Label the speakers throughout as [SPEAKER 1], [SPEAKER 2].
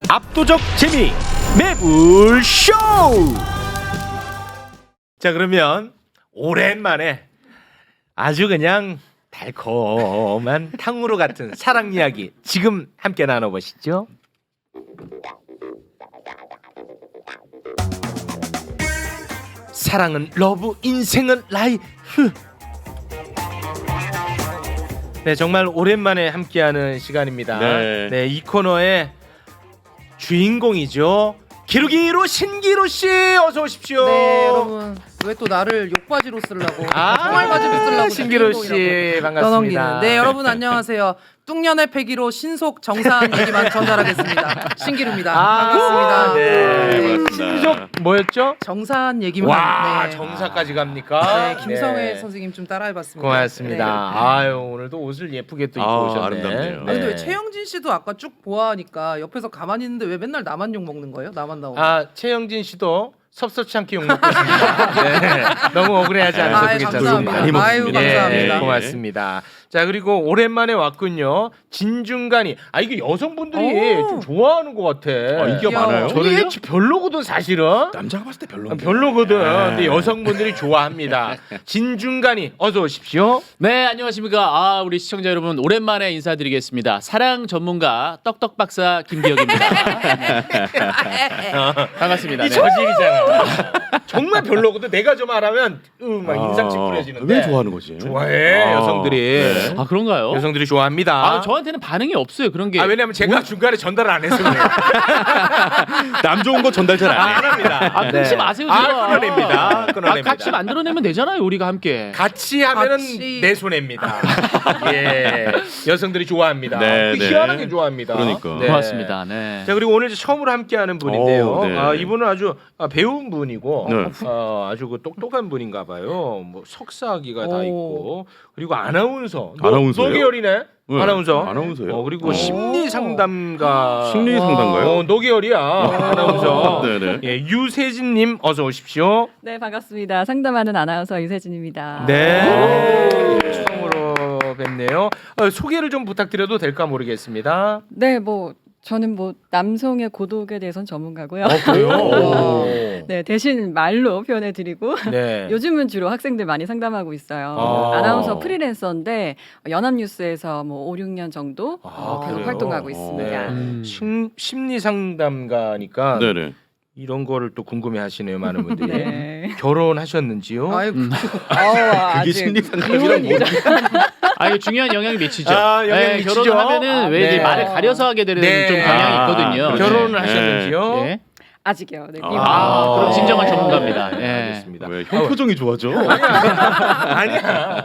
[SPEAKER 1] 압도적 재미 매불쇼. 자, 그러면 오랜만에 아주 그냥 달콤한 탕후루 같은 사랑 이야기 지금 함께 나눠보시죠. 사랑은 러브, 인생은 라이프. 네, 정말 오랜만에 함께하는 시간입니다. 네, 이 코너의 주인공이죠. 기루기루 신기루 씨, 어서 오십시오.
[SPEAKER 2] 네, 여러분. 왜 또 나를 욕바지로 쓰려고? 총알바지로 쓰려고?
[SPEAKER 1] 신기루 씨 반갑습니다.
[SPEAKER 2] 네, 여러분 안녕하세요. 뚱년의 패기로 신속 정사한 얘기만 전달하겠습니다. 신기루입니다. 반갑습니다.
[SPEAKER 1] 네, 신속 뭐였죠?
[SPEAKER 2] 정사한 얘기만.
[SPEAKER 1] 와,
[SPEAKER 2] 네.
[SPEAKER 1] 정사까지 갑니까?
[SPEAKER 2] 네, 김성애
[SPEAKER 1] 네.
[SPEAKER 2] 선생님 좀 따라해봤습니다.
[SPEAKER 1] 고맙습니다.
[SPEAKER 2] 네.
[SPEAKER 1] 아유, 오늘도 옷을 예쁘게 또 입고 오셨네.
[SPEAKER 3] 아름답네요.
[SPEAKER 2] 아, 근데 왜 최영진 씨도 아까 쭉 보아하니까 옆에서 가만히 있는데 왜 맨날 나만 욕 먹는 거예요? 나만 나오고.
[SPEAKER 1] 아, 최영진 씨도 섭섭치 않게 욕 먹고 있습니다. 네, 너무 억울해하지 않으셔도 괜찮습니다.
[SPEAKER 2] 감사합니다. 아유, 감사합니다.
[SPEAKER 1] 네, 고맙습니다. 자, 그리고 오랜만에 왔군요. 진중간이. 아, 이게 여성분들이 좀 좋아하는 것 같아.
[SPEAKER 3] 인기가 많아요?
[SPEAKER 1] 저는 이게 별로거든 사실은.
[SPEAKER 3] 남자가 봤을 때 별로인데.
[SPEAKER 1] 별로거든. 근데 여성분들이 좋아합니다. 진중간이 어서 오십시오.
[SPEAKER 4] 네, 안녕하십니까. 아, 우리 시청자 여러분 오랜만에 인사드리겠습니다. 사랑 전문가 떡떡 박사 김기혁입니다. 반갑습니다.
[SPEAKER 1] 이
[SPEAKER 4] 네.
[SPEAKER 1] 저질이잖아. 정말 별로거든. 내가 좀 말하면 막 인상 찌푸려지는데.
[SPEAKER 3] 왜 좋아하는 거지?
[SPEAKER 1] 좋아해 여성들이.
[SPEAKER 4] 아, 그런가요?
[SPEAKER 1] 여성들이 좋아합니다.
[SPEAKER 4] 아, 저한테는 반응이 없어요. 그런 게.
[SPEAKER 1] 아, 왜냐면 제가 중간에 전달을 안 해서 그래요.
[SPEAKER 3] 남 좋은 거 전달 잘 안 해.
[SPEAKER 1] 안 합니다.
[SPEAKER 4] 아, 끊지 마세요.
[SPEAKER 1] 아,
[SPEAKER 4] 제발.
[SPEAKER 1] 끊어냅니다. 끊어냅니다.
[SPEAKER 4] 같이 만들어내면 되잖아요. 우리가 함께.
[SPEAKER 1] 같이 하면은
[SPEAKER 2] 같이.
[SPEAKER 1] 내 손해입니다. 예, 여성들이 좋아합니다.
[SPEAKER 3] 네, 네.
[SPEAKER 1] 희한하게 좋아합니다.
[SPEAKER 3] 그러니까.
[SPEAKER 4] 고맙습니다. 네.
[SPEAKER 1] 자, 그리고 오늘 이제 처음으로 함께하는 분인데요.
[SPEAKER 3] 오, 네.
[SPEAKER 1] 아, 이분은 아주 배운 분이고
[SPEAKER 3] 네.
[SPEAKER 1] 아주 그 똑똑한 분인가봐요. 뭐 석사학위가 다
[SPEAKER 2] 오.
[SPEAKER 1] 있고 그리고 아나운서.
[SPEAKER 3] 아나운서예요?
[SPEAKER 1] 노계열이네.
[SPEAKER 3] 네.
[SPEAKER 1] 아나운서.
[SPEAKER 3] 아나운서예요?
[SPEAKER 1] 그리고 심리 상담가.
[SPEAKER 3] 심리 상담가요?
[SPEAKER 1] 노계열이야. 아나운서.
[SPEAKER 3] 네네.
[SPEAKER 1] 예, 유세진님 어서 오십시오.
[SPEAKER 5] 네, 반갑습니다. 상담하는 아나운서 유세진입니다.
[SPEAKER 1] 네. 처음으로 뵙네요. 소개를 좀 부탁드려도 될까 모르겠습니다.
[SPEAKER 5] 네, 뭐 저는 뭐 남성의 고독에 대해서는 전문가고요.
[SPEAKER 1] 그래요?
[SPEAKER 5] 네, 대신 말로 표현해드리고
[SPEAKER 1] 네.
[SPEAKER 5] 요즘은 주로 학생들 많이 상담하고 있어요.
[SPEAKER 1] 아.
[SPEAKER 5] 아나운서 프리랜서인데 연합뉴스에서 뭐 5, 6년 정도 계속
[SPEAKER 1] 그래요?
[SPEAKER 5] 활동하고 있습니다.
[SPEAKER 1] 네. 심리 상담가니까
[SPEAKER 3] 네네.
[SPEAKER 1] 이런 거를 또 궁금해하시네요, 많은 분들이.
[SPEAKER 5] 네.
[SPEAKER 1] 결혼하셨는지요?
[SPEAKER 2] 아이고.
[SPEAKER 3] 그게 심리 상담이란 뭐?
[SPEAKER 4] 아, 이거 중요한 영향이 미치죠.
[SPEAKER 1] 아, 영향 미치죠?
[SPEAKER 4] 결혼을 하면은 왜
[SPEAKER 1] 네.
[SPEAKER 4] 이제 말을 가려서 하게 되는
[SPEAKER 1] 네.
[SPEAKER 4] 좀 경향이 있거든요.
[SPEAKER 3] 그렇죠.
[SPEAKER 1] 결혼을
[SPEAKER 3] 네.
[SPEAKER 1] 하셨는지요?
[SPEAKER 4] 네.
[SPEAKER 5] 아직이요. 네,
[SPEAKER 4] 그럼 진정한 전문가입니다. 예.
[SPEAKER 1] 알겠습니다.
[SPEAKER 3] 왜 형 표정이 좋아져?
[SPEAKER 1] 아니야.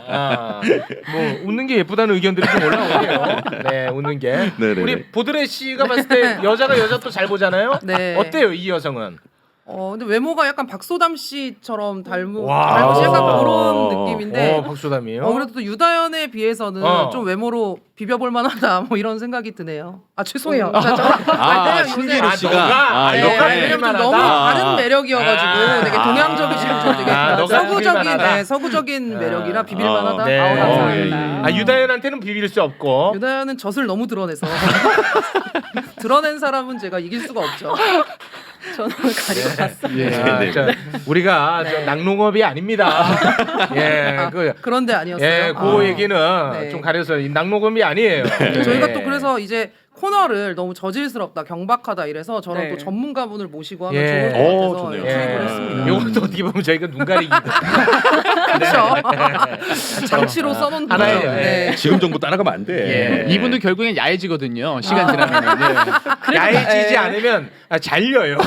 [SPEAKER 1] 뭐 웃는 게 예쁘다는 의견들이 좀 올라오네요. 네, 웃는 게.
[SPEAKER 3] 네네네.
[SPEAKER 1] 우리 보드레 씨가 봤을 때 여자가 여자 또 잘 보잖아요.
[SPEAKER 2] 네.
[SPEAKER 1] 어때요, 이 여성은?
[SPEAKER 2] 근데 외모가 약간 박소담 씨처럼 닮으시
[SPEAKER 1] 와.
[SPEAKER 2] 약간 그런 느낌인데.
[SPEAKER 1] 박수담이에요.
[SPEAKER 2] 그래도 또 유다현에 비해서는 좀 외모로 비벼볼 만하다 뭐 이런 생각이 드네요. 아, 죄송해요.
[SPEAKER 3] 신기루
[SPEAKER 1] 아,
[SPEAKER 3] 씨가.
[SPEAKER 1] 너가?
[SPEAKER 3] 아,
[SPEAKER 1] 네.
[SPEAKER 3] 이렇게.
[SPEAKER 2] 왜냐면 좀 너무 다른 매력이어가지고 되게 동양적이시고 좀 되게
[SPEAKER 1] 너가
[SPEAKER 2] 서구적인
[SPEAKER 1] 비빌만하다.
[SPEAKER 2] 서구적인 매력이라 비빌만하다.
[SPEAKER 1] 네.
[SPEAKER 5] 아우, 감사합니다.
[SPEAKER 1] 유다현한테는 비빌 수 없고.
[SPEAKER 2] 유다현은 젖을 너무 드러내서 드러낸 사람은 제가 이길 수가 없죠.
[SPEAKER 5] 저는 가리고 봤습니다.
[SPEAKER 1] 아,
[SPEAKER 3] 네.
[SPEAKER 1] 저, 우리가 저 낙농업이 아닙니다. 예,
[SPEAKER 2] 그런데 아니었어요.
[SPEAKER 1] 예, 그 얘기는
[SPEAKER 2] 네.
[SPEAKER 1] 좀 가려서 이 낙농업이 아니에요.
[SPEAKER 2] 저희가
[SPEAKER 1] 예.
[SPEAKER 2] 또 그래서 이제 코너를 너무 저질스럽다, 경박하다 이래서 저런
[SPEAKER 5] 네.
[SPEAKER 2] 또 전문가분을 모시고 하면
[SPEAKER 1] 예.
[SPEAKER 2] 좋을 것
[SPEAKER 3] 오,
[SPEAKER 2] 같아서
[SPEAKER 3] 좋네요.
[SPEAKER 2] 투입을 했습니다.
[SPEAKER 1] 요것도 어떻게 보면 저희가 눈 가리기.
[SPEAKER 2] 그렇죠. 장치로 써놓은
[SPEAKER 1] 하나의,
[SPEAKER 2] 거죠.
[SPEAKER 1] 네.
[SPEAKER 3] 지금 정부 따라가면 안 돼.
[SPEAKER 1] 예.
[SPEAKER 4] 이분도 결국엔 야해지거든요. 시간 지나면. 네.
[SPEAKER 1] 야해지지 않으면 잘려요.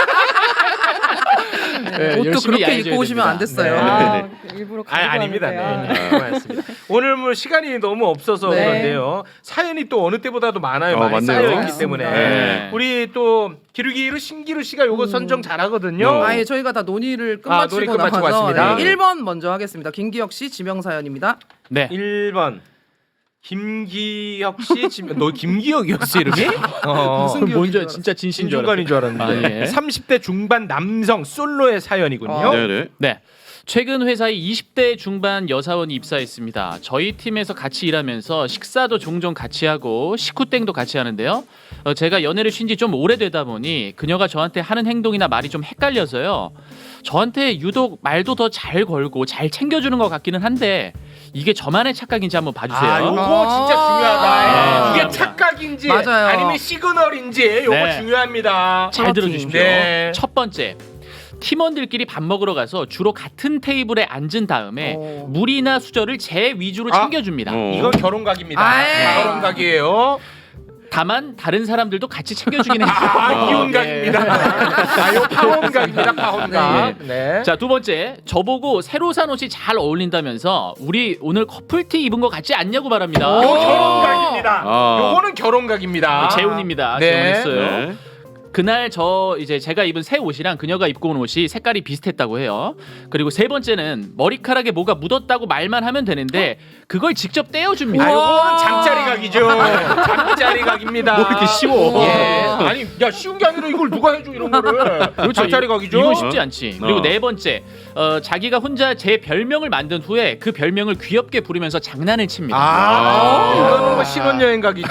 [SPEAKER 4] 네,
[SPEAKER 2] 옷도
[SPEAKER 4] 열심히
[SPEAKER 2] 그렇게
[SPEAKER 4] 야해져야
[SPEAKER 2] 입고 오시면 안
[SPEAKER 4] 됩니다.
[SPEAKER 2] 됐어요.
[SPEAKER 5] 아, 일부러 가리고
[SPEAKER 1] 아닙니다.
[SPEAKER 5] 왔는데요.
[SPEAKER 1] 네. 고맙습니다. 오늘 뭐 시간이 너무 없어서
[SPEAKER 5] 네.
[SPEAKER 1] 그런데요. 사연이 또 어느 때보다도 많아요. 많이
[SPEAKER 3] 맞네요.
[SPEAKER 1] 쌓여있기 때문에.
[SPEAKER 4] 네.
[SPEAKER 1] 우리 또 기루기루 신기루 씨가 요거 선정 잘하거든요.
[SPEAKER 2] 아예 저희가 다 논의를
[SPEAKER 1] 논의
[SPEAKER 2] 끝마치고
[SPEAKER 1] 끝마치고
[SPEAKER 2] 나와서
[SPEAKER 1] 왔습니다.
[SPEAKER 2] 네, 1번 먼저 하겠습니다. 김기혁 씨 지명 사연입니다.
[SPEAKER 4] 네.
[SPEAKER 1] 1번 김기혁 씨. 너 김기혁이었어 이름이?
[SPEAKER 2] 무슨
[SPEAKER 4] 그럼
[SPEAKER 2] 기억인
[SPEAKER 4] 먼저
[SPEAKER 2] 줄
[SPEAKER 4] 진짜 진신 줄
[SPEAKER 1] 신중간인 줄 알았는데.
[SPEAKER 4] 아, 예.
[SPEAKER 1] 30대 중반 남성 솔로의 사연이군요.
[SPEAKER 3] 네네.
[SPEAKER 4] 네. 최근 회사에 20대 중반 여사원이 입사했습니다. 저희 팀에서 같이 일하면서 식사도 종종 같이 하고 식후땡도 같이 하는데요. 제가 연애를 쉰 지 좀 오래되다 보니 그녀가 저한테 하는 행동이나 말이 좀 헷갈려서요. 저한테 유독 말도 더 잘 걸고 잘 챙겨주는 것 같기는 한데 이게 저만의 착각인지 한번 봐주세요.
[SPEAKER 1] 아, 요거 진짜 중요하다.
[SPEAKER 4] 아.
[SPEAKER 1] 이게 착각인지
[SPEAKER 2] 맞아요.
[SPEAKER 1] 아니면 시그널인지 요거
[SPEAKER 4] 네.
[SPEAKER 1] 중요합니다.
[SPEAKER 4] 잘 들어주십시오.
[SPEAKER 1] 네.
[SPEAKER 4] 첫 번째, 팀원들끼리 밥 먹으러 가서 주로 같은 테이블에 앉은 다음에 물이나 수저를 제 위주로
[SPEAKER 1] 아.
[SPEAKER 4] 챙겨줍니다.
[SPEAKER 1] 이건 결혼각입니다.
[SPEAKER 2] 아이.
[SPEAKER 1] 결혼각이에요.
[SPEAKER 4] 다만 다른 사람들도 같이 챙겨주긴 해요.
[SPEAKER 1] 이혼각입니다. 요 파혼각입니다. 파혼각. 네.
[SPEAKER 4] 자, 두 번째, 저보고 새로 산 옷이 잘 어울린다면서 우리 오늘 커플티 입은 거 같지 않냐고 말합니다.
[SPEAKER 1] 요 결혼각입니다.
[SPEAKER 3] 아.
[SPEAKER 1] 요거는 결혼각입니다.
[SPEAKER 4] 재훈입니다.
[SPEAKER 1] 네.
[SPEAKER 4] 재훈했어요.
[SPEAKER 3] 네.
[SPEAKER 4] 그날 제가 입은 새 옷이랑 그녀가 입고 온 옷이 색깔이 비슷했다고 해요. 그리고 세 번째는 머리카락에 뭐가 묻었다고 말만 하면 되는데 그걸 직접 떼어줍니다.
[SPEAKER 1] 아, 요거는 잠자리각이죠. 잠자리각입니다.
[SPEAKER 3] 뭐 이렇게 쉬워.
[SPEAKER 1] 예. 아니, 야 쉬운 게 아니라 이걸 누가 해줘 이런 거를. 잠자리각이죠.
[SPEAKER 4] 이건 쉽지 않지. 그리고 네 번째, 자기가 혼자 제 별명을 만든 후에 그 별명을 귀엽게 부르면서 장난을 칩니다.
[SPEAKER 1] 이거는 뭐 신혼여행각이죠.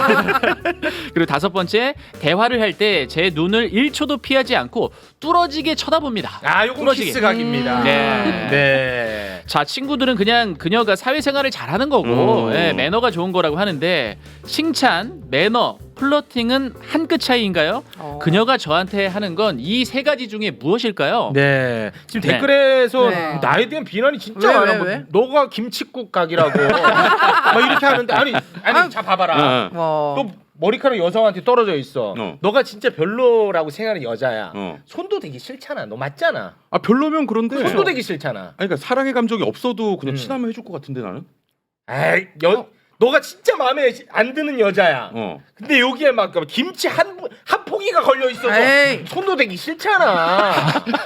[SPEAKER 4] 그리고 다섯 번째, 대화를 할 때 제 눈을 1초도 피하지 않고 뚫어지게 쳐다봅니다.
[SPEAKER 1] 요건
[SPEAKER 4] 뚫어지게.
[SPEAKER 1] 키스각입니다.
[SPEAKER 4] 네.
[SPEAKER 1] 네.
[SPEAKER 4] 자, 친구들은 그냥 그녀가 사회생활을 잘하는 거고 예, 매너가 좋은 거라고 하는데 칭찬, 매너, 플러팅은 한 끗 차이인가요? 그녀가 저한테 하는 건 이 세 가지 중에 무엇일까요?
[SPEAKER 1] 네. 지금
[SPEAKER 4] 네.
[SPEAKER 1] 댓글에서
[SPEAKER 2] 네.
[SPEAKER 1] 나에 대한 비난이 진짜
[SPEAKER 2] 왜,
[SPEAKER 1] 많아.
[SPEAKER 2] 왜?
[SPEAKER 1] 너가 김치국 각이라고 막 이렇게 하는데 아니 자 봐봐라. 또 머리카락 여성한테 떨어져 있어. 너가 진짜 별로라고 생각하는 여자야. 손도 대기 싫잖아. 너 맞잖아.
[SPEAKER 3] 아 별로면 그런데.
[SPEAKER 1] 손도 대기 싫잖아.
[SPEAKER 3] 아니 그러니까 사랑의 감정이 없어도 그냥 친하면 해줄 것 같은데 나는.
[SPEAKER 1] 에이, 너가 진짜 마음에 안 드는 여자야. 근데 여기에 막 김치 한 포기가 걸려 있어서
[SPEAKER 2] 에이.
[SPEAKER 1] 손도 대기 싫잖아.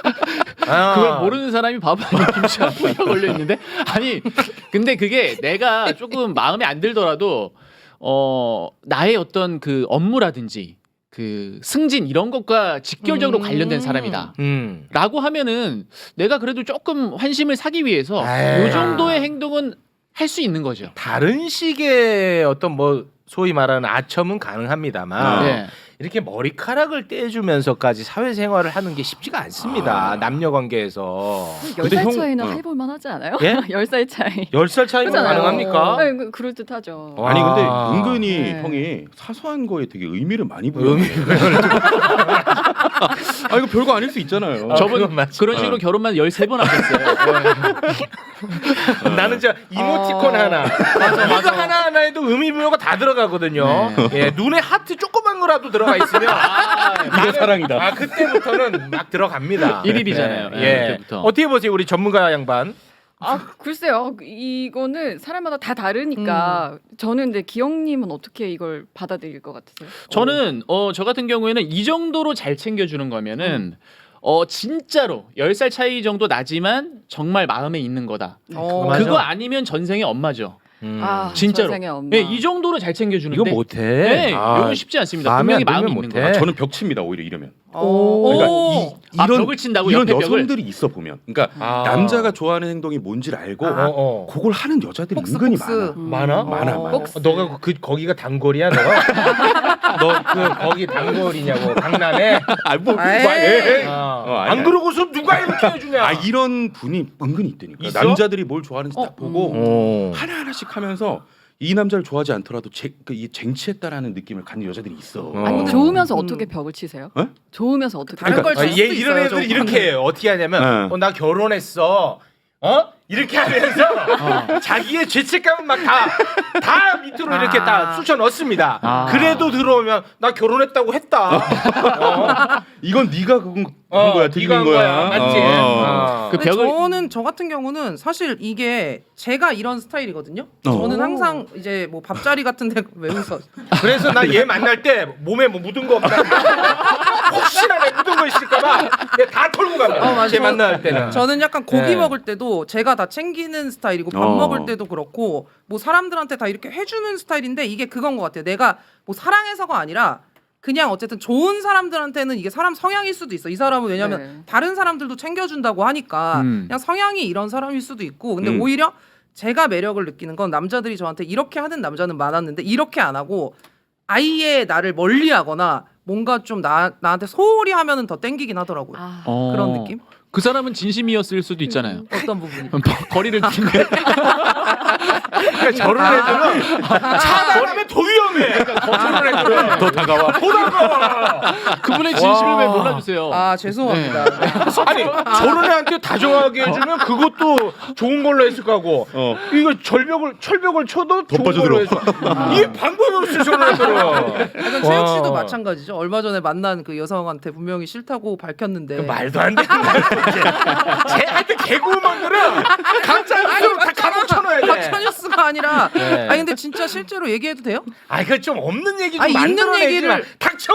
[SPEAKER 4] 그걸 모르는 사람이 바보 아니야. 김치 한 포기가 걸려 있는데 아니 근데 그게 내가 조금 마음에 안 들더라도 나의 어떤 그 업무라든지 그 승진 이런 것과 직결적으로 관련된 사람이다. 라고 하면은 내가 그래도 조금 환심을 사기 위해서 이 정도의 행동은 할 수 있는 거죠.
[SPEAKER 1] 다른 식의 어떤 뭐 소위 말하는 아첨은 가능합니다만
[SPEAKER 4] 네.
[SPEAKER 1] 이렇게 머리카락을 떼주면서까지 사회생활을 하는 게 쉽지가 않습니다. 남녀 관계에서.
[SPEAKER 5] 10살 차이는 해볼만 하지 않아요?
[SPEAKER 1] 예?
[SPEAKER 5] 10살 차이.
[SPEAKER 1] 10살 차이면
[SPEAKER 5] 그렇잖아요.
[SPEAKER 1] 가능합니까?
[SPEAKER 5] 네, 그럴듯하죠.
[SPEAKER 3] 아니 근데
[SPEAKER 1] 아.
[SPEAKER 3] 은근히
[SPEAKER 5] 네.
[SPEAKER 3] 형이 사소한 거에 되게 의미를 많이 부여. 아 이거 별거 아닐 수 있잖아요.
[SPEAKER 4] 저분
[SPEAKER 1] 그건 맞지.
[SPEAKER 4] 그런 식으로 결혼만 13번 하셨어요.
[SPEAKER 1] 나는 저 이모티콘 하나 이거 하나하나에도 의미부여가 다 들어가거든요. 예, 눈에 하트 조그만 거라도 들어가 있으면
[SPEAKER 3] 이거 사랑이다.
[SPEAKER 1] 그때부터는 막 들어갑니다.
[SPEAKER 4] 일일이잖아요.
[SPEAKER 1] 예.
[SPEAKER 4] 예, 그때부터.
[SPEAKER 1] 어떻게 보세요 우리 전문가 양반?
[SPEAKER 5] 글쎄요. 이거는 사람마다 다 다르니까 저는 근데 기영님은 어떻게 이걸 받아들일 것 같으세요?
[SPEAKER 4] 저는 저 같은 경우에는 이 정도로 잘 챙겨주는 거면은 진짜로 10살 차이 정도 나지만 정말 마음에 있는 거다.
[SPEAKER 1] 맞아.
[SPEAKER 4] 그거 아니면 전생의 엄마죠. 진짜로.
[SPEAKER 5] 전생의 엄마.
[SPEAKER 4] 네, 이 정도로 잘 챙겨주는데
[SPEAKER 1] 이거 못해.
[SPEAKER 4] 네, 이건 쉽지 않습니다.
[SPEAKER 1] 마음에
[SPEAKER 4] 분명히
[SPEAKER 1] 안
[SPEAKER 4] 마음이
[SPEAKER 1] 들면
[SPEAKER 4] 있는
[SPEAKER 1] 못해.
[SPEAKER 4] 거야.
[SPEAKER 3] 저는 벽 칩니다 오히려 이러면.
[SPEAKER 2] 오.
[SPEAKER 3] 그러니까 이런
[SPEAKER 4] 벽을 친다고
[SPEAKER 3] 이런
[SPEAKER 4] 옆에 벽을?
[SPEAKER 3] 여성들이 있어 보면, 그러니까 남자가 좋아하는 행동이 뭔지를 알고 그걸 하는 여자들이
[SPEAKER 2] 폭스,
[SPEAKER 3] 은근히
[SPEAKER 2] 폭스.
[SPEAKER 3] 많아.
[SPEAKER 1] 많아?
[SPEAKER 3] 많아.
[SPEAKER 1] 너가 거기가 단골이야 너가? 너 거기 단골이냐고 강남에? 안 그러고서 누가 이렇게 해주냐?
[SPEAKER 3] 아 이런 분이 은근히 있다니까.
[SPEAKER 1] 있어?
[SPEAKER 3] 남자들이 뭘 좋아하는지 딱 보고
[SPEAKER 1] 어.
[SPEAKER 3] 하나하나씩 하면서 이 남자를 좋아하지 않더라도 이 쟁취했다라는 느낌을 갖는 여자들이 있어.
[SPEAKER 5] 아니, 좋으면서 어떻게 벽을 치세요?
[SPEAKER 3] 어?
[SPEAKER 5] 좋으면서 어떻게
[SPEAKER 2] 다른 걸 칠 수도
[SPEAKER 1] 이런
[SPEAKER 2] 있어요,
[SPEAKER 1] 애들이
[SPEAKER 2] 저거는.
[SPEAKER 1] 이렇게 해요. 어떻게 하냐면 나 결혼했어. 이렇게 하면서 자기의 죄책감은 막 다 밑으로 이렇게 다 쑤셔 넣습니다. 그래도 들어오면 나 결혼했다고 했다.
[SPEAKER 3] 이건 네가 그건 한 거야,
[SPEAKER 1] 네가
[SPEAKER 3] 틀린
[SPEAKER 1] 한
[SPEAKER 3] 거야.
[SPEAKER 1] 맞지?
[SPEAKER 4] 그
[SPEAKER 2] 근데
[SPEAKER 4] 벽을
[SPEAKER 2] 저 같은 경우는 사실 이게 제가 이런 스타일이거든요. 저는 항상 이제 뭐 밥자리 같은데 왜 웃어?
[SPEAKER 1] 그래서 나 얘 만날 때 몸에 뭐 묻은 거 없나? 혹시나 내 묻은 거 있을까봐 다 털고 갑니다.
[SPEAKER 2] 맞아.
[SPEAKER 1] 쟤 만날 때는.
[SPEAKER 2] 저는 약간 고기
[SPEAKER 1] 네.
[SPEAKER 2] 먹을 때도 제가 다 챙기는 스타일이고 밥 먹을 때도 그렇고 뭐 사람들한테 다 이렇게 해주는 스타일인데 이게 그건 것 같아요. 내가 뭐 사랑해서가 아니라 그냥 어쨌든 좋은 사람들한테는 이게 사람 성향일 수도 있어. 이 사람은 왜냐면
[SPEAKER 5] 네.
[SPEAKER 2] 다른 사람들도 챙겨준다고 하니까 그냥 성향이 이런 사람일 수도 있고. 근데 오히려 제가 매력을 느끼는 건 남자들이 저한테 이렇게 하는 남자는 많았는데 이렇게 안 하고 아예 나를 멀리하거나 뭔가 좀 나한테 소홀히 하면은 더 땡기긴 하더라고요.
[SPEAKER 5] 아.
[SPEAKER 2] 그런 느낌?
[SPEAKER 4] 그 사람은 진심이었을 수도 있잖아요.
[SPEAKER 2] 어떤 부분이?
[SPEAKER 4] 거리를 두는데
[SPEAKER 1] 그러니까 저런 애들은 차단하면 더 위험해. 저런 애들은
[SPEAKER 3] 더 다가와.
[SPEAKER 1] 더 다가와.
[SPEAKER 4] 그분의 진심을 왜 몰라주세요?
[SPEAKER 2] 아 죄송합니다. 네.
[SPEAKER 1] 아니 저런 애한테 다정하게 해주면 그것도 좋은 걸로 했을 거고 이거 철벽을 쳐도 좋은
[SPEAKER 3] 빠져들어.
[SPEAKER 1] 걸로 했어. 이게 방법이 없어 저런 애들은.
[SPEAKER 2] 약간 최욱 씨도 마찬가지죠. 얼마 전에 만난 그 여성한테 분명히 싫다고 밝혔는데
[SPEAKER 1] 말도 안 되는 거야. 하여튼 개그우먼들은 가짜 뉴스로 다 감옥 쳐놓아야 돼.
[SPEAKER 2] 가짜뉴스가 아니라
[SPEAKER 1] 네.
[SPEAKER 2] 아니 근데 진짜 실제로 얘기해도 돼요?
[SPEAKER 1] 아 이거 좀 없는 얘기 좀
[SPEAKER 2] 아니, 있는
[SPEAKER 1] 만들어내지 마.
[SPEAKER 2] 얘기를-
[SPEAKER 1] 닥쳐.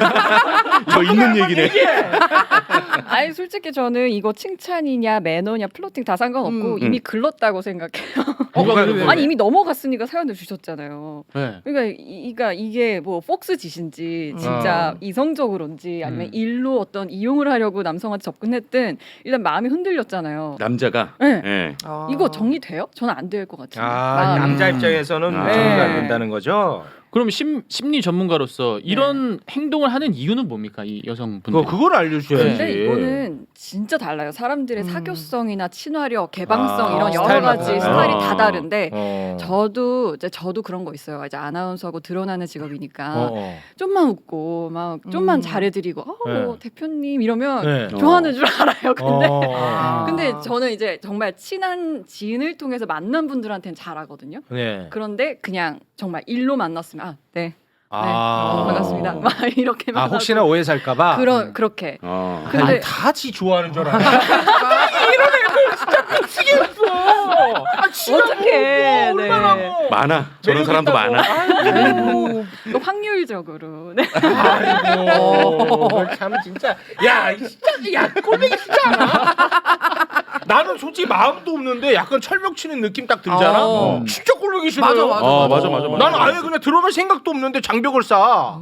[SPEAKER 3] 저 있는 얘기네.
[SPEAKER 5] 아니 솔직히 저는 이거 칭찬이냐 매너냐 플로팅 다 상관없고 이미 글렀다고 생각해요.
[SPEAKER 2] 왜?
[SPEAKER 5] 아니 이미 넘어갔으니까 사연을 주셨잖아요.
[SPEAKER 4] 네.
[SPEAKER 5] 그러니까 이게 뭐 폭스 짓인지 진짜 이성적으로인지 아니면 일로 어떤 이용을 하려고 남성한테 접근했든 일단 마음이 흔들렸잖아요.
[SPEAKER 3] 남자가.
[SPEAKER 5] 네.
[SPEAKER 3] 예.
[SPEAKER 2] 아.
[SPEAKER 5] 이거 정리돼요? 저는 안 될 것 같아요.
[SPEAKER 1] 아 남자 입장에서는
[SPEAKER 3] 아.
[SPEAKER 1] 정리가 안
[SPEAKER 5] 네.
[SPEAKER 1] 된다는 거죠.
[SPEAKER 4] 그럼 심리 전문가로서 이런 행동을 하는 이유는 뭡니까 이 여성분들?
[SPEAKER 1] 그걸 알려줘야지.
[SPEAKER 5] 근데 이거는 진짜 달라요. 사람들의 사교성이나 친화력, 개방성
[SPEAKER 1] 아,
[SPEAKER 5] 이런 여러
[SPEAKER 1] 스타일마다
[SPEAKER 5] 가지
[SPEAKER 1] 달라요.
[SPEAKER 5] 스타일이 다 다른데
[SPEAKER 1] 어.
[SPEAKER 5] 저도 그런 거 있어요. 이제 아나운서고 드러나는 직업이니까
[SPEAKER 1] 어.
[SPEAKER 5] 좀만 웃고 막 좀만 잘해드리고
[SPEAKER 1] 네.
[SPEAKER 5] 대표님 이러면
[SPEAKER 1] 네.
[SPEAKER 5] 좋아하는 줄 알아요. 근데
[SPEAKER 1] 어.
[SPEAKER 5] 근데 저는 이제 정말 친한 지인을 통해서 만난 분들한테는 잘하거든요.
[SPEAKER 1] 네.
[SPEAKER 5] 그런데 그냥 정말 일로 만났으면 네.
[SPEAKER 1] 아.
[SPEAKER 5] 반갑습니다. 막 이렇게
[SPEAKER 1] 아 혹시나 오해 살까봐.
[SPEAKER 5] 그렇게.
[SPEAKER 3] 어.
[SPEAKER 5] 근데
[SPEAKER 1] 아니 다지 좋아하는 줄 알아. 이런 애들 진짜 미치겠어. 아 진짜
[SPEAKER 5] 어떡해.
[SPEAKER 1] 얼마나
[SPEAKER 5] 네.
[SPEAKER 1] 뭐.
[SPEAKER 3] 많아. 저런 사람도 많아.
[SPEAKER 1] 아이고.
[SPEAKER 5] 또 확률적으로. 네.
[SPEAKER 1] 아이고. 참 진짜. 야 진짜 야 꼴보기 싫지 않아? 나는 솔직히 마음도 없는데 약간 철벽 치는 느낌 딱 들잖아. 진짜 꼴보기 싫어요.
[SPEAKER 2] 맞아.
[SPEAKER 3] 맞아.
[SPEAKER 1] 나는 아예 그냥 들어갈 생각도 없는데 장벽을 쌓아.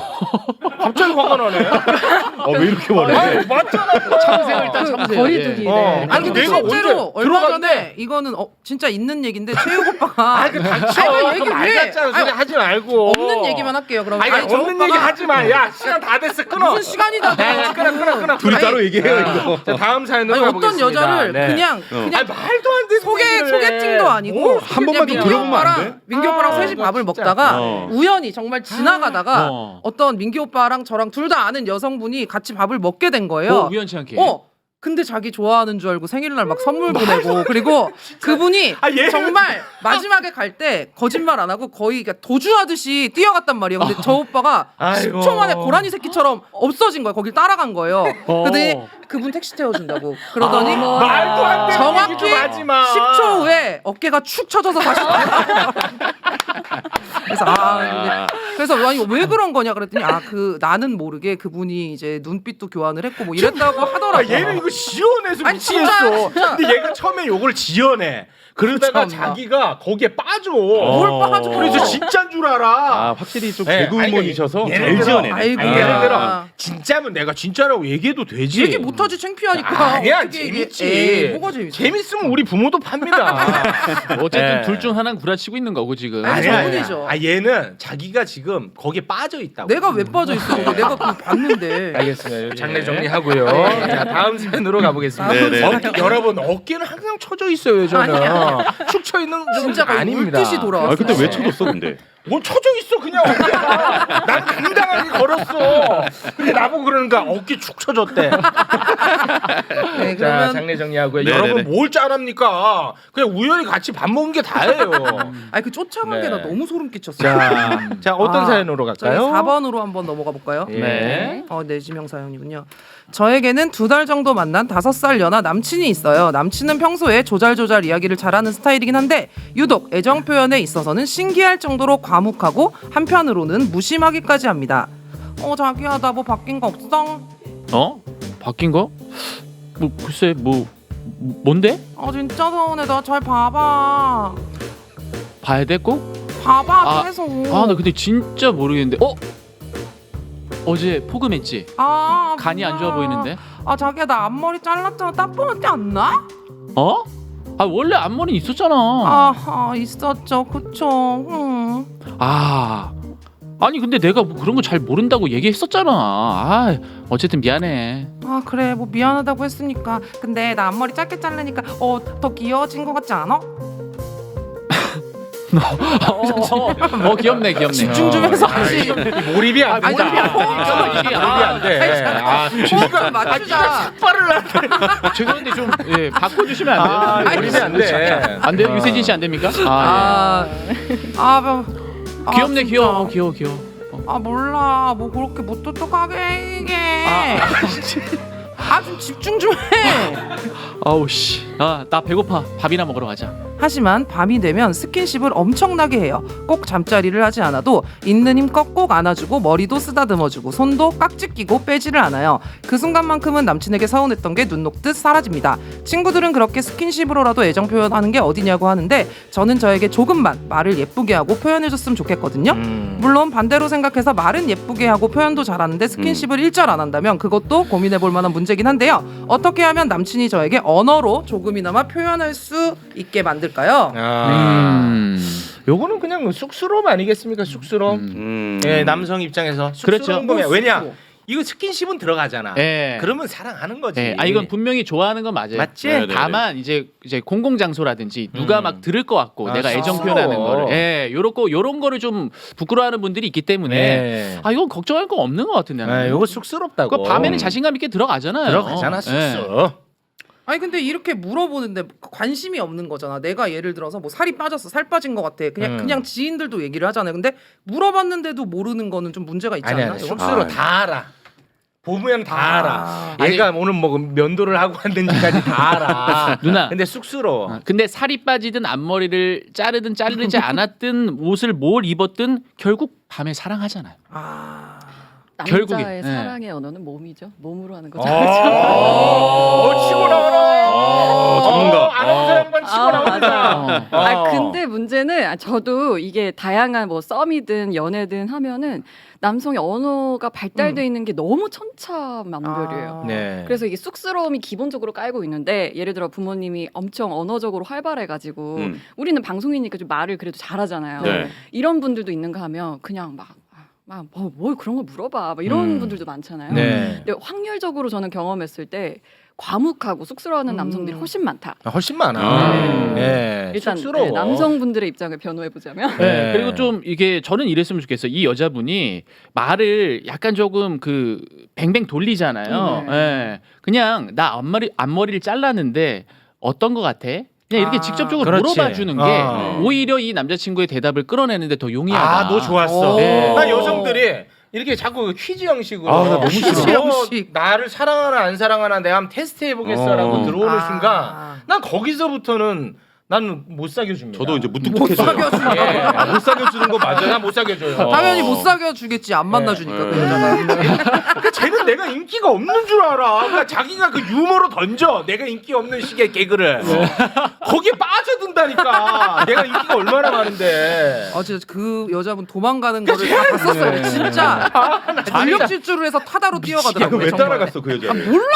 [SPEAKER 1] 갑자기 화가 나네.
[SPEAKER 3] 왜 이렇게 말해?
[SPEAKER 1] 아니, 맞잖아.
[SPEAKER 4] 참으세요 일단 참으세요.
[SPEAKER 5] 거리두기.
[SPEAKER 1] 어.
[SPEAKER 5] 네.
[SPEAKER 2] 아니 근데
[SPEAKER 1] 내가
[SPEAKER 2] 실제로
[SPEAKER 1] 언제
[SPEAKER 2] 얼마
[SPEAKER 1] 들어갔는데?
[SPEAKER 2] 전에 이거는 진짜 있는 얘기인데 최욱 오빠가
[SPEAKER 1] 아, 그 닥쳐.
[SPEAKER 2] 아니,
[SPEAKER 1] 그
[SPEAKER 2] 얘기를
[SPEAKER 1] 말
[SPEAKER 2] 왜?
[SPEAKER 1] 같잖아. 소리
[SPEAKER 2] 아니,
[SPEAKER 1] 하지 말고.
[SPEAKER 2] 없는 얘기만 할게요. 그럼
[SPEAKER 1] 아니,
[SPEAKER 2] 저
[SPEAKER 1] 없는
[SPEAKER 2] 오빠가
[SPEAKER 1] 얘기 하지 마. 야, 시간 다 됐어. 끊어.
[SPEAKER 2] 무슨 시간이 다 돼?
[SPEAKER 1] 끊어.
[SPEAKER 3] 둘이
[SPEAKER 2] 아니,
[SPEAKER 3] 따로 얘기해요 이거.
[SPEAKER 1] 자, 다음 사연으로
[SPEAKER 2] 아니 어떤
[SPEAKER 1] 가보겠습니다.
[SPEAKER 2] 여자를
[SPEAKER 1] 네.
[SPEAKER 2] 그냥
[SPEAKER 1] 아니, 말도 안 되는
[SPEAKER 2] 소개팅도 아니고
[SPEAKER 3] 한 번만 더 들어보면 안 돼?
[SPEAKER 2] 민규 오빠랑 셋이
[SPEAKER 1] 이거
[SPEAKER 2] 밥을
[SPEAKER 1] 진짜.
[SPEAKER 2] 먹다가
[SPEAKER 3] 어.
[SPEAKER 2] 우연히 정말 지나가다가
[SPEAKER 4] 어.
[SPEAKER 2] 어떤 민규 오빠랑 저랑 둘 다 아는 여성분이 같이 밥을 먹게 된 거예요.
[SPEAKER 4] 우연치 않게.
[SPEAKER 2] 근데 자기 좋아하는 줄 알고 생일날 막 선물 보내고 그리고 그분이
[SPEAKER 1] 아, 얘는
[SPEAKER 2] 정말 마지막에 갈 때 거짓말 안 하고 거의 그러니까 도주하듯이 뛰어갔단 말이에요. 근데 저 오빠가
[SPEAKER 1] 아이고.
[SPEAKER 2] 10초 만에 고라니 새끼처럼 없어진 거예요. 거길 따라간 거예요. 그랬더니 그분 택시 태워준다고. 그러더니
[SPEAKER 1] 말도 안 되는
[SPEAKER 2] 정확히
[SPEAKER 1] 얘기 좀 하지 마.
[SPEAKER 2] 10초 후에 어깨가 축 처져서 다시 그래서 그래서 아니 왜 그런 거냐 그랬더니 나는 모르게 그분이 이제 눈빛도 교환을 했고 뭐 이랬다고 하더라고.
[SPEAKER 1] 아, 얘는 이거 지어내서
[SPEAKER 2] 아니,
[SPEAKER 1] 미치겠어.
[SPEAKER 2] 진짜.
[SPEAKER 1] 근데 얘가 처음에 요걸 지어내. 그러다가
[SPEAKER 2] 참나.
[SPEAKER 1] 자기가 거기에 빠져.
[SPEAKER 2] 뭘 빠져?
[SPEAKER 1] 그래서 진짜인 줄 알아.
[SPEAKER 3] 아 확실히 좀
[SPEAKER 1] 네,
[SPEAKER 3] 개그우먼이셔서
[SPEAKER 1] 아니,
[SPEAKER 3] 잘
[SPEAKER 1] 예를 들어,
[SPEAKER 3] 지어내네.
[SPEAKER 2] 아이고.
[SPEAKER 1] 아니, 예를 들어
[SPEAKER 2] 아.
[SPEAKER 1] 진짜면 내가 진짜라고 얘기해도 되지.
[SPEAKER 2] 얘기 못하지 창피하니까.
[SPEAKER 1] 아니야
[SPEAKER 2] 어떻게
[SPEAKER 1] 재밌지.
[SPEAKER 2] 에이, 뭐가 재밌어?
[SPEAKER 1] 재밌으면 우리 부모도 팝니다.
[SPEAKER 4] 어쨌든
[SPEAKER 1] 네.
[SPEAKER 4] 둘 중 하나는 구라치고 있는 거고 지금.
[SPEAKER 2] 아니,
[SPEAKER 1] 아니야,
[SPEAKER 2] 저분이죠.
[SPEAKER 1] 아니야. 얘는 자기가 지금 거기에 빠져 있다고.
[SPEAKER 2] 내가 왜 빠져 있어? 내가 그거 봤는데.
[SPEAKER 1] 알겠습니다. 장례 정리하고요. 자 다음 사연으로 가보겠습니다.
[SPEAKER 3] 네네.
[SPEAKER 1] 여러분 어깨는 항상 쳐져 있어요. 저는 축 쳐 있는
[SPEAKER 2] 진짜 거의
[SPEAKER 1] 아닙니다.
[SPEAKER 2] 물듯이 돌아왔어.
[SPEAKER 3] 근데 왜 쳐줬어 근데?
[SPEAKER 1] 뭘 쳐져 있어 그냥 어깨가. 난 당당하게 걸었어. 근데 나보고 그러는가 어깨 축 쳐졌대.
[SPEAKER 2] 네,
[SPEAKER 1] 자
[SPEAKER 2] 그러면
[SPEAKER 1] 장례 정리하고요.
[SPEAKER 3] 네네네.
[SPEAKER 1] 여러분 뭘 짠합니까? 그냥 우연히 같이 밥 먹은 게 다예요.
[SPEAKER 2] 아니 그 쫓아간
[SPEAKER 1] 네.
[SPEAKER 2] 게 나 너무 소름 끼쳤어.
[SPEAKER 1] 자 어떤 사연으로
[SPEAKER 2] 저희
[SPEAKER 1] 갈까요?
[SPEAKER 2] 4번으로 한번 넘어가 볼까요?
[SPEAKER 1] 네.
[SPEAKER 2] 네, 지명 사연이군요. 저에게는 2달 정도 만난 5살 연하 남친이 있어요. 남친은 평소에 조잘조잘 이야기를 잘하는 스타일이긴 한데 유독 애정 표현에 있어서는 신기할 정도로 과묵하고 한편으로는 무심하기까지 합니다. 자기야 나 뭐 바뀐 거 없어?
[SPEAKER 4] 바뀐 거? 뭐 글쎄 뭔데?
[SPEAKER 2] 진짜 서운해. 나 잘 봐봐.
[SPEAKER 4] 봐야 돼 꼭?
[SPEAKER 2] 봐봐
[SPEAKER 4] 아,
[SPEAKER 2] 계속.
[SPEAKER 4] 나 근데 진짜 모르겠는데. 어제 포금했지?
[SPEAKER 2] 아
[SPEAKER 4] 간이 안 좋아
[SPEAKER 2] 뭐야.
[SPEAKER 4] 보이는데?
[SPEAKER 2] 아 자기야 나 앞머리 잘랐잖아. 딱 보면 티 안 나?
[SPEAKER 4] 어? 아 원래 앞머리 있었잖아.
[SPEAKER 2] 있었죠. 그쵸.
[SPEAKER 4] 아니 근데 내가 뭐 그런 거 잘 모른다고 얘기했었잖아. 어쨌든 미안해.
[SPEAKER 2] 그래 뭐 미안하다고 했으니까. 근데 나 앞머리 짧게 자르니까 더 귀여워진 것 같지 않아?
[SPEAKER 4] 귀엽네.
[SPEAKER 2] 집중 좀 해서 하지.
[SPEAKER 1] 몰입이 안 돼.
[SPEAKER 2] 몰입이 안
[SPEAKER 1] 돼.
[SPEAKER 2] 호흡을 맞추자.
[SPEAKER 4] 죄송한데 좀 바꿔주시면 안 돼요?
[SPEAKER 1] 몰입이 안 돼.
[SPEAKER 4] 안 돼요? 유세진 씨 안 됩니까? 귀엽네.
[SPEAKER 2] 진짜.
[SPEAKER 4] 귀여워.
[SPEAKER 2] 몰라 뭐 그렇게 못 똑똑하게 이게 좀 집중 좀 해.
[SPEAKER 4] 아우 씨. 나 배고파. 밥이나 먹으러 가자.
[SPEAKER 2] 하지만 밤이 되면 스킨십을 엄청나게 해요. 꼭 잠자리를 하지 않아도 있는 힘껏 꼭 안아주고 머리도 쓰다듬어주고 손도 깍지 끼고 빼지를 않아요. 그 순간만큼은 남친에게 서운했던 게 눈 녹듯 사라집니다. 친구들은 그렇게 스킨십으로라도 애정 표현하는 게 어디냐고 하는데 저는 저에게 조금만 말을 예쁘게 하고 표현해줬으면 좋겠거든요. 물론 반대로 생각해서 말은 예쁘게 하고 표현도 잘하는데 스킨십을 일절 안 한다면 그것도 고민해볼 만한 문제긴 한데요. 어떻게 하면 남친이 저에게 언어로 조금이나마 표현할 수 있게 만들까요?
[SPEAKER 1] 요거는 그냥 쑥스러움 아니겠습니까? 쑥스러움. 예, 남성 입장에서
[SPEAKER 4] 그렇죠.
[SPEAKER 1] 쑥스러운 거면 왜냐? 이거 스킨십은 들어가잖아.
[SPEAKER 4] 예.
[SPEAKER 1] 그러면 사랑하는 거지.
[SPEAKER 4] 이건 분명히 좋아하는 건 맞아요.
[SPEAKER 1] 맞지?
[SPEAKER 3] 네네네.
[SPEAKER 4] 다만 이제 공공 장소라든지 누가 막 들을 것 같고 내가 애정
[SPEAKER 1] 쑥스러워.
[SPEAKER 4] 표현하는 거를 요런 거를 좀 부끄러워하는 분들이 있기 때문에
[SPEAKER 1] 네.
[SPEAKER 4] 이건 걱정할 거 없는 것 같은데. 나는.
[SPEAKER 1] 요거 쑥스럽다고.
[SPEAKER 4] 그 밤에는 자신감 있게 들어가잖아요.
[SPEAKER 1] 들어가잖아, 쑥스러.
[SPEAKER 2] 아니 근데 이렇게 물어보는데 관심이 없는 거잖아. 내가 예를 들어서 뭐 살이 빠졌어, 살 빠진 것 같아. 그냥 지인들도 얘기를 하잖아요. 근데 물어봤는데도 모르는 거는 좀 문제가 있지 않나?
[SPEAKER 1] 아니
[SPEAKER 2] 이거?
[SPEAKER 1] 쑥스러 다 알아. 보면 다 알아. 얘가 오늘 뭐 면도를 하고 왔는지까지 다 알아.
[SPEAKER 4] 누나.
[SPEAKER 1] 근데 쑥스러워.
[SPEAKER 4] 근데 살이 빠지든 앞머리를 자르든 자르지 않았든 옷을 뭘 입었든 결국 밤에 사랑하잖아요. 결국에,
[SPEAKER 5] 남자의
[SPEAKER 4] 네.
[SPEAKER 5] 사랑의 언어는 몸이죠. 몸으로 하는 거죠.
[SPEAKER 1] 치고 나와라.
[SPEAKER 3] 전문가.
[SPEAKER 1] 아나운서 양반 치고 나온다.
[SPEAKER 5] 맞아요. 근데 문제는 저도 이게 다양한 뭐 썸이든 연애든 하면은 남성의 언어가 발달돼 있는 게 너무 천차만별이에요.
[SPEAKER 1] 네.
[SPEAKER 5] 그래서 이게 쑥스러움이 기본적으로 깔고 있는데 예를 들어 부모님이 엄청 언어적으로 활발해가지고 우리는 방송이니까 좀 말을 그래도 잘하잖아요.
[SPEAKER 3] 네.
[SPEAKER 5] 이런 분들도 있는가 하면 그냥 뭘 그런 걸 물어봐 막 이런 분들도 많잖아요.
[SPEAKER 1] 네.
[SPEAKER 5] 근데 확률적으로 저는 경험했을 때 과묵하고 쑥스러워하는 남성들이 훨씬 많다.
[SPEAKER 1] 훨씬 많아. 네.
[SPEAKER 5] 일단
[SPEAKER 1] 쑥스러워.
[SPEAKER 5] 남성분들의 입장을 변호해 보자면
[SPEAKER 1] 네.
[SPEAKER 4] 그리고 좀 이게 저는 이랬으면 좋겠어요. 이 여자분이 말을 약간 조금 그 뱅뱅 돌리잖아요. 그냥 나 앞머리를 잘랐는데 어떤 거 같아? 그냥 이렇게 직접적으로
[SPEAKER 1] 그렇지.
[SPEAKER 4] 물어봐 주는 게 오히려 이 남자친구의 대답을 끌어내는데 더 용이하다.
[SPEAKER 1] 너 좋았어.
[SPEAKER 2] 오.
[SPEAKER 1] 나 여성들이 이렇게 자꾸 퀴즈 형식으로
[SPEAKER 3] 나 너무 싫어.
[SPEAKER 2] 퀴즈 형식.
[SPEAKER 1] 나를 사랑하나 안 사랑하나 내가 한번 테스트 해보겠어라고 들어오는 순간 난 거기서부터는 나는 못 사귀어줍니다.
[SPEAKER 3] 저도 이제 무뚝뚝해져요.
[SPEAKER 1] 못 사귀어주는 거 맞아요. 난 못 사귀어줘요.
[SPEAKER 2] 당연히 못 사귀어 주겠지. 안 만나주니까 그 여자가.
[SPEAKER 1] 그러니까 쟤는 내가 인기가 없는 줄 알아. 그러니까 자기가 그 유머로 던져. 내가 인기 없는 식의 개그를. 거기에 빠져든다니까. 내가 인기가 얼마나 많은데.
[SPEAKER 2] 진짜 그 여자분 도망가는 거를 다 봤었어요. 진짜 전력 질주를 해서 타다로 뛰어가더라고요.
[SPEAKER 3] 왜
[SPEAKER 2] 정말.
[SPEAKER 3] 따라갔어 그 여자?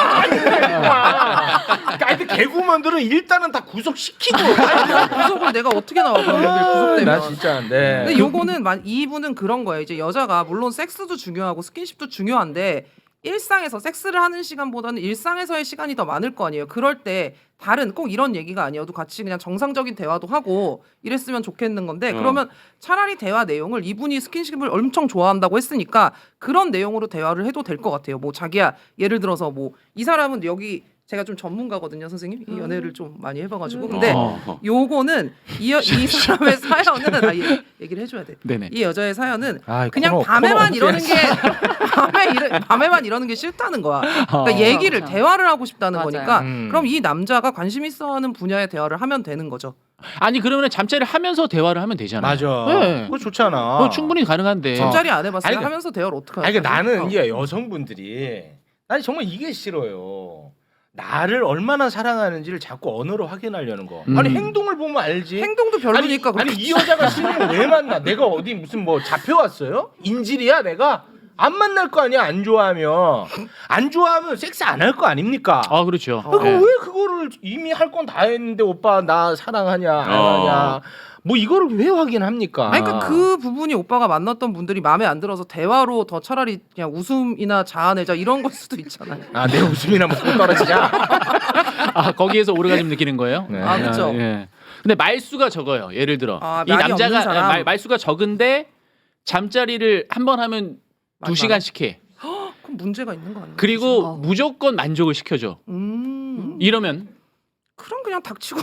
[SPEAKER 1] 그러니까 하여튼 개그우먼들은 일단은 다 구속시키고.
[SPEAKER 2] 구속을 내가 어떻게 나와 그러면 구속되면.
[SPEAKER 1] 나 진짜 네.
[SPEAKER 2] 근데 요거는 이분은 그런 거예요. 이제 여자가 물론 섹스도 중요하고 스킨십도 중요한데 일상에서 섹스를 하는 시간보다는 일상에서의 시간이 더 많을 거 아니에요. 그럴 때 다른 꼭 이런 얘기가 아니어도 같이 그냥 정상적인 대화도 하고 이랬으면 좋겠는 건데 그러면 차라리 대화 내용을 이분이 스킨십을 엄청 좋아한다고 했으니까 그런 내용으로 대화를 해도 될 것 같아요. 뭐 자기야 예를 들어서 뭐 이 사람은 여기 제가 좀 전문가거든요, 선생님. 이 연애를 좀 많이 해봐가지고. 근데 요거는 이 사람의 사연은 얘기를 해줘야 돼.
[SPEAKER 4] 네네.
[SPEAKER 2] 이 여자의 사연은
[SPEAKER 1] 아,
[SPEAKER 2] 그냥 밤에만 이러는 게 밤에만 이러는 게 싫다는 거야. 그러니까 얘기를
[SPEAKER 5] 그렇죠.
[SPEAKER 2] 대화를 하고 싶다는
[SPEAKER 5] 맞아요.
[SPEAKER 2] 거니까. 그럼 이 남자가 관심 있어하는 분야의 대화를 하면 되는 거죠.
[SPEAKER 4] 아니 그러면 잠자리를 하면서 대화를 하면 되잖아요.
[SPEAKER 1] 맞아.
[SPEAKER 4] 네.
[SPEAKER 1] 그거 좋잖아.
[SPEAKER 4] 그거 충분히 가능한데.
[SPEAKER 2] 잠자리 안 해봤어요.
[SPEAKER 1] 아니,
[SPEAKER 2] 하면서 대화를 어떻게
[SPEAKER 1] 아니,
[SPEAKER 2] 하냐?
[SPEAKER 1] 그러니까 나는 이제 여성분들이 난 정말 이게 싫어요. 나를 얼마나 사랑하는지를 자꾸 언어로 확인하려는 거. 아니 행동을 보면 알지.
[SPEAKER 2] 행동도 별로니까.
[SPEAKER 1] 아니 이 여자가 신을 왜 만나? 내가 어디 무슨 뭐 잡혀왔어요? 인질이야 내가? 안 만날 거 아니야. 안 좋아하면 섹스 안 할 거 아닙니까?
[SPEAKER 4] 아 그렇죠.
[SPEAKER 1] 그러니까
[SPEAKER 4] 네.
[SPEAKER 1] 왜 그거를 이미 할 건 다 했는데 오빠 나 사랑하냐 안 하냐 뭐 이거를 왜 확인합니까?
[SPEAKER 2] 아니 그러니까 그 부분이 오빠가 만났던 분들이 마음에 안 들어서 대화로 더 차라리 그냥 웃음이나 자아내자 이런 걸 수도 있잖아요.
[SPEAKER 1] 아, 내 웃음이나 뭐 떨어지냐?
[SPEAKER 4] 아 거기에서 오르가즘 느끼는 거예요?
[SPEAKER 1] 네.
[SPEAKER 2] 아 그렇죠.
[SPEAKER 4] 예. 근데 말수가 적어요. 예를 들어
[SPEAKER 2] 아,
[SPEAKER 4] 이
[SPEAKER 2] 말이
[SPEAKER 4] 남자가
[SPEAKER 2] 없는 사람?
[SPEAKER 4] 말수가 적은데 잠자리를 한 번 하면
[SPEAKER 2] 많이
[SPEAKER 4] 2시간씩 해.
[SPEAKER 2] 그럼 문제가 있는 거 아니에요?
[SPEAKER 4] 그리고
[SPEAKER 5] 어.
[SPEAKER 4] 무조건 만족을 시켜줘. 이러면
[SPEAKER 2] 그럼 그냥 닥치고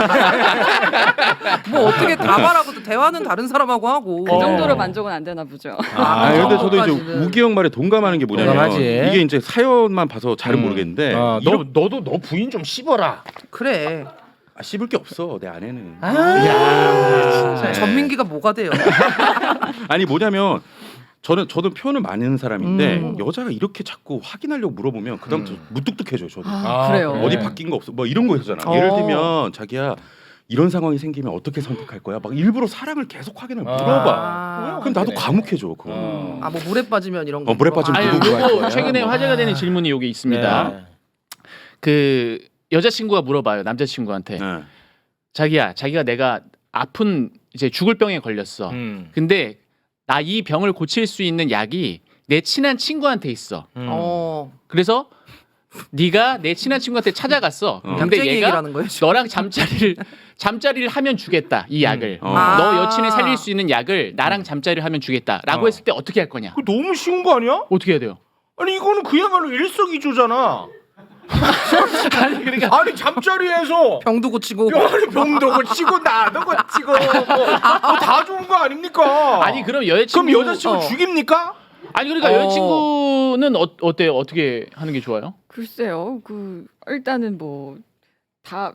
[SPEAKER 2] 뭐 어떻게 다 말하고 대화는 다른 사람하고 하고
[SPEAKER 5] 그 정도로 만족은 안 되나 보죠.
[SPEAKER 3] 근데 저도 이제
[SPEAKER 2] 그것까지는.
[SPEAKER 3] 우기 형 말에 동감하는 게 뭐냐면
[SPEAKER 1] 동감하지.
[SPEAKER 3] 이게 이제 사연만 봐서 잘은 모르겠는데
[SPEAKER 1] 너도 너 부인 좀 씹어라.
[SPEAKER 2] 그래.
[SPEAKER 3] 씹을 게 없어 내 아내는.
[SPEAKER 2] 전민기가 뭐가 돼요?
[SPEAKER 3] 아니 뭐냐면 저도 표현을 많은 사람인데 여자가 이렇게 자꾸 확인하려고 물어보면 그다음부터 무뚝뚝해져요. 저도.
[SPEAKER 5] 그래요.
[SPEAKER 1] 그래.
[SPEAKER 3] 어디 바뀐 거 없어? 뭐 이런 거 있잖아.
[SPEAKER 2] 어.
[SPEAKER 3] 예를 들면 자기야 이런 상황이 생기면 어떻게 선택할 거야? 막 일부러 사랑을 계속 확인을 물어봐.
[SPEAKER 2] 아.
[SPEAKER 3] 그럼 나도
[SPEAKER 1] 그래.
[SPEAKER 3] 과묵해져 그거.
[SPEAKER 2] 아 뭐 물에 빠지면 이런 거.
[SPEAKER 3] 물에 빠지면
[SPEAKER 4] 아니
[SPEAKER 3] 누구 구할
[SPEAKER 4] 요거
[SPEAKER 3] 거야?
[SPEAKER 4] 최근에
[SPEAKER 3] 뭐.
[SPEAKER 4] 화제가 되는 질문이 여기 있습니다.
[SPEAKER 1] 네.
[SPEAKER 4] 그 여자친구가 물어봐요. 남자친구한테
[SPEAKER 3] 네.
[SPEAKER 4] 자기가 내가 아픈 이제 죽을 병에 걸렸어. 근데 나 이 병을 고칠 수 있는 약이 내 친한 친구한테 있어. 그래서 네가 내 친한 친구한테 찾아갔어. 근데
[SPEAKER 2] 약쟁이
[SPEAKER 4] 얘가
[SPEAKER 2] 얘기라는 거예요, 지금?
[SPEAKER 4] 너랑 잠자리를 하면 주겠다. 이 약을.
[SPEAKER 3] 아.
[SPEAKER 4] 너 여친을 살릴 수 있는 약을 나랑 잠자리를 하면 주겠다라고 했을 때 어떻게 할 거냐?
[SPEAKER 1] 그거 너무 쉬운 거 아니야?
[SPEAKER 4] 어떻게 해야 돼요?
[SPEAKER 1] 아니 이거는 그야말로 일석이조잖아.
[SPEAKER 4] 아니 그러니까
[SPEAKER 1] 아니 잠자리에서
[SPEAKER 2] 병도 고치고
[SPEAKER 1] 병도 고치고 나도 고치고 뭐다 좋은 거 아닙니까?
[SPEAKER 4] 아니 그럼 여자친구
[SPEAKER 1] 그럼 여자친구 죽입니까?
[SPEAKER 4] 아니 그러니까 여자친구는 어때요? 어떻게 하는 게 좋아요?
[SPEAKER 5] 글쎄요. 그 일단은 뭐 다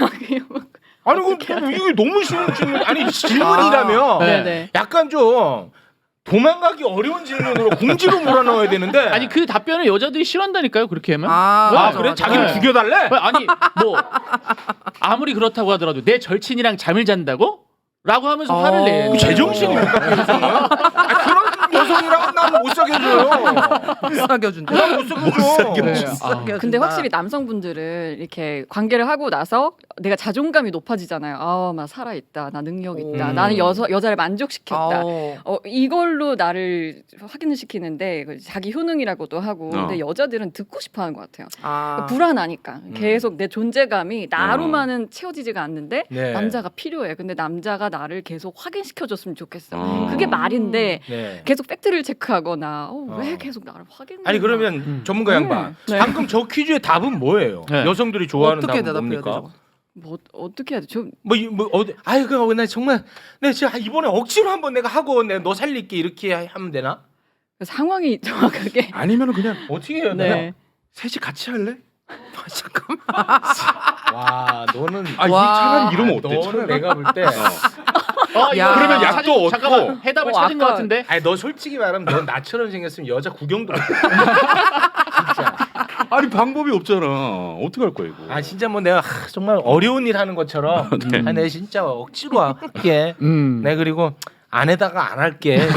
[SPEAKER 1] 아니 그럼 이게 너무 쉬운 질문 아니 질문이라면
[SPEAKER 4] 네.
[SPEAKER 5] 네네.
[SPEAKER 1] 약간 좀 도망가기 어려운 질문으로 공지로 몰아넣어야 되는데
[SPEAKER 4] 아니 그 답변을 여자들이 싫어한다니까요. 그렇게 하면.
[SPEAKER 2] 맞아,
[SPEAKER 1] 그래?
[SPEAKER 2] 맞아.
[SPEAKER 1] 자기를
[SPEAKER 4] 네.
[SPEAKER 1] 죽여달래?
[SPEAKER 4] 아니 뭐 아무리 그렇다고 하더라도 내 절친이랑 잠을 잔다고? 라고 하면서 화를 내.
[SPEAKER 1] 그 제정신입니까 그 여성은? 그런 여성이랑 나는 못 사귀어줘요.
[SPEAKER 2] 못 사겨준대.
[SPEAKER 1] 못 사귀어줘.
[SPEAKER 2] 사겨준다.
[SPEAKER 5] 근데 확실히 남성분들은 이렇게 관계를 하고 나서 내가 자존감이 높아지잖아요. 아, 나 살아있다. 나 능력 있다. 나는 여자를 만족시켰다. 이걸로 나를 확인을 시키는데 자기 효능이라고도 하고 근데 여자들은 듣고 싶어하는 것 같아요. 불안하니까 계속 내 존재감이 나로만은 채워지지가 않는데
[SPEAKER 1] 네.
[SPEAKER 5] 남자가 필요해. 근데 남자가 나를 계속 확인시켜줬으면 좋겠어. 그게 말인데
[SPEAKER 1] 네.
[SPEAKER 5] 계속 팩트를 체크하거나 왜 계속 나를 확인?
[SPEAKER 1] 아니 그러면 전문가 양반
[SPEAKER 5] 네.
[SPEAKER 1] 방금 저 퀴즈의 답은 뭐예요?
[SPEAKER 4] 네.
[SPEAKER 1] 여성들이 좋아하는
[SPEAKER 2] 어떻게
[SPEAKER 1] 답은
[SPEAKER 2] 대답해야
[SPEAKER 1] 뭡니까?
[SPEAKER 2] 되죠?
[SPEAKER 5] 뭐 어떻게 해야 돼? 저
[SPEAKER 1] 뭐 어디 아유 그나 정말 내가 진짜 이번에 억지로 한번 내가 하고 내가 너 살릴게 이렇게 하면 되나?
[SPEAKER 5] 상황이 정확하게
[SPEAKER 3] 아니면 그냥
[SPEAKER 1] 어떻게 해야 되나?
[SPEAKER 5] 네.
[SPEAKER 3] 셋이 같이 할래?
[SPEAKER 2] 잠깐만.
[SPEAKER 1] 와 너는
[SPEAKER 3] 아,
[SPEAKER 2] 와.
[SPEAKER 3] 차라리 이러면 어때?
[SPEAKER 1] 너는
[SPEAKER 3] 차라리.
[SPEAKER 1] 내가 볼 때
[SPEAKER 2] 야.
[SPEAKER 3] 그러면 약도 얻고.
[SPEAKER 4] 잠깐만 해답을 찾은 것 같은데.
[SPEAKER 1] 아니 너 솔직히 말하면 넌 나처럼 생겼으면 여자 구경도 못 해. 진짜.
[SPEAKER 3] 아니 방법이 없잖아. 어떻게 할 거야 이거?
[SPEAKER 1] 아 진짜 뭐 내가 정말 어려운 일 하는 것처럼
[SPEAKER 3] 네.
[SPEAKER 1] 아, 내가 진짜 억지로 할게. 내 그리고 안에다가 안 할게.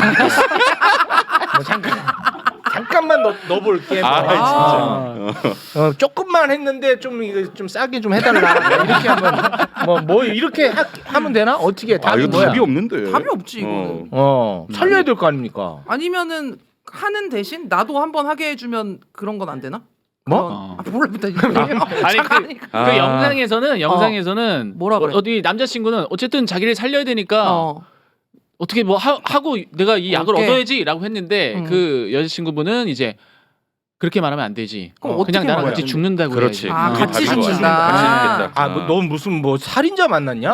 [SPEAKER 1] 뭐 잠깐만 넣어볼게. 뭐.
[SPEAKER 3] 진짜.
[SPEAKER 1] 조금만 했는데 좀 이거 좀 싸게 좀 해달라. 이렇게 하면 뭐 이렇게 하면 되나? 어떻게 답이
[SPEAKER 3] 이거
[SPEAKER 1] 뭐야?
[SPEAKER 3] 답이 없는데.
[SPEAKER 2] 답이 없지 이거는.
[SPEAKER 1] 살려야 될 거 아닙니까?
[SPEAKER 2] 아니면은 하는 대신 나도 한번 하게 해주면 그런 건 안 되나?
[SPEAKER 1] 뭐?
[SPEAKER 2] 몰라.
[SPEAKER 4] 아니 그 영상에서는
[SPEAKER 2] 뭐라 그래?
[SPEAKER 4] 어디 남자친구는 어쨌든 자기를 살려야 되니까 어떻게 뭐 하고 내가 이 약을
[SPEAKER 2] 어깨.
[SPEAKER 4] 얻어야지라고 했는데 그 여자친구분은 이제 그렇게 말하면 안 되지.
[SPEAKER 2] 그럼
[SPEAKER 4] 그냥
[SPEAKER 2] 어떻게
[SPEAKER 4] 나랑
[SPEAKER 2] 말해야
[SPEAKER 4] 같이
[SPEAKER 2] 되는데?
[SPEAKER 4] 죽는다고
[SPEAKER 3] 그렇지.
[SPEAKER 4] 해야지.
[SPEAKER 2] 아,
[SPEAKER 3] 그게
[SPEAKER 2] 같이
[SPEAKER 3] 답인 것 같아.
[SPEAKER 2] 죽는다.
[SPEAKER 3] 같이 죽겠다.
[SPEAKER 1] 아, 너 무슨 뭐 살인자 만났냐?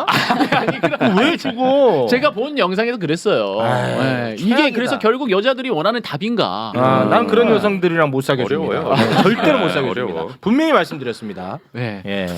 [SPEAKER 1] 왜 죽어?
[SPEAKER 4] 제가 본 영상에서 그랬어요.
[SPEAKER 1] 아이,
[SPEAKER 4] 네. 이게
[SPEAKER 1] 최악이다.
[SPEAKER 4] 그래서 결국 여자들이 원하는 답인가?
[SPEAKER 1] 난 그런 여성들이랑 못 사귀어줍니다.
[SPEAKER 3] 어려워요.
[SPEAKER 1] 네, 절대로 못 사귀어줍니다.
[SPEAKER 3] 어려워.
[SPEAKER 1] 분명히 말씀드렸습니다.
[SPEAKER 4] 네.
[SPEAKER 1] 예.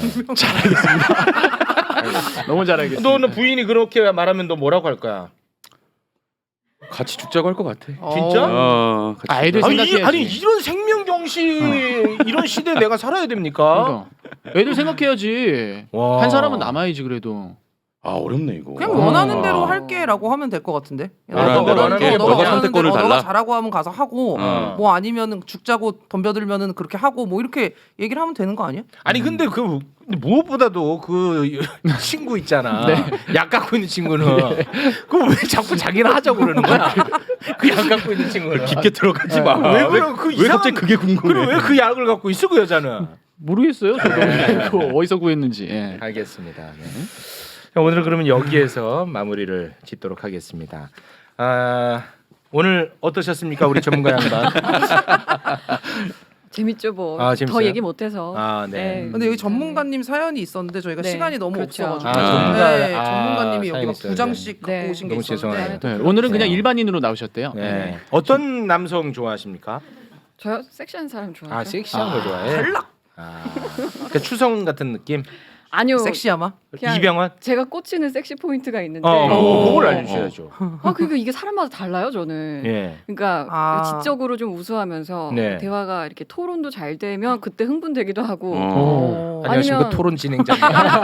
[SPEAKER 4] 너무 잘 알겠습니다.
[SPEAKER 1] 너는 부인이 그렇게 말하면 너 뭐라고 할 거야?
[SPEAKER 3] 같이 죽자고 할 것 같아.
[SPEAKER 1] 진짜?
[SPEAKER 3] 같이
[SPEAKER 4] 아, 애들
[SPEAKER 3] 죽자.
[SPEAKER 4] 생각해야지.
[SPEAKER 1] 아니 이런 생명경시 이런 시대에 내가 살아야 됩니까?
[SPEAKER 4] 그러니까. 애들 생각해야지.
[SPEAKER 1] 와.
[SPEAKER 4] 한 사람은 남아야지 그래도.
[SPEAKER 3] 아 어렵네 이거.
[SPEAKER 2] 그냥 원하는 대로 할게라고 하면 될 것 같은데.
[SPEAKER 3] 원하는 대로 할게.
[SPEAKER 2] 너가
[SPEAKER 3] 너가
[SPEAKER 2] 원하는
[SPEAKER 3] 선택권을
[SPEAKER 2] 대로
[SPEAKER 3] 달라?
[SPEAKER 2] 너가 잘하고 하면 가서 하고 뭐 아니면은 죽자고 덤벼들면은 그렇게 하고 뭐 이렇게 얘기를 하면 되는 거 아니야?
[SPEAKER 1] 아니 근데 그 무엇보다도 그 친구 있잖아. 약 갖고 있는 친구는 그거 왜 자꾸 자기는 하자고 그러는 거야? 그 약 갖고 있는 친구는
[SPEAKER 3] 깊게 들어가지 마.
[SPEAKER 1] 왜 그럼 그
[SPEAKER 3] 왜 갑자기 그게 궁금해?
[SPEAKER 1] 그럼 왜 그 약을 갖고 있어 그 여자는?
[SPEAKER 4] 모르겠어요. 저도 그거 어디서 구했는지. 예.
[SPEAKER 1] 알겠습니다. 네. 자, 오늘은 그러면 여기에서 마무리를 짓도록 하겠습니다. 오늘 어떠셨습니까, 우리 전문가 양반?
[SPEAKER 5] 재밌죠 뭐.
[SPEAKER 1] 아,
[SPEAKER 5] 더
[SPEAKER 1] 재밌어요?
[SPEAKER 5] 얘기 못해서.
[SPEAKER 1] 아, 네.
[SPEAKER 2] 근데 여기 전문가님 사연이 있었는데 저희가
[SPEAKER 5] 네,
[SPEAKER 2] 시간이 너무
[SPEAKER 5] 그렇죠.
[SPEAKER 2] 없어가지고
[SPEAKER 1] 아,
[SPEAKER 2] 전문가님이 여기
[SPEAKER 1] 사연이
[SPEAKER 2] 막
[SPEAKER 1] 있어요.
[SPEAKER 2] 2장씩 갖고
[SPEAKER 5] 네.
[SPEAKER 2] 오신 게
[SPEAKER 1] 너무
[SPEAKER 2] 있었는데
[SPEAKER 1] 죄송해요.
[SPEAKER 4] 네, 오늘은 그냥 일반인으로 나오셨대요.
[SPEAKER 1] 네. 어떤 남성 좋아하십니까?
[SPEAKER 5] 저요 섹시한 사람 좋아해요.
[SPEAKER 1] 아, 섹시한 거 좋아해.
[SPEAKER 2] 탈락.
[SPEAKER 1] 그러니까 추성 같은 느낌?
[SPEAKER 5] 아니요.
[SPEAKER 2] 섹시하마?
[SPEAKER 5] 그냥
[SPEAKER 1] 이병헌?
[SPEAKER 5] 제가 꽂히는 섹시 포인트가 있는데.
[SPEAKER 1] 그걸 알려주셔야죠.
[SPEAKER 5] 그러니까 이게 사람마다 달라요, 저는.
[SPEAKER 1] 예.
[SPEAKER 5] 그러니까 지적으로 좀 우수하면서
[SPEAKER 1] 네.
[SPEAKER 5] 대화가 이렇게 토론도 잘 되면 그때 흥분되기도 하고.
[SPEAKER 1] 안녕하십니까
[SPEAKER 5] 아니면-
[SPEAKER 1] 토론 진행자님.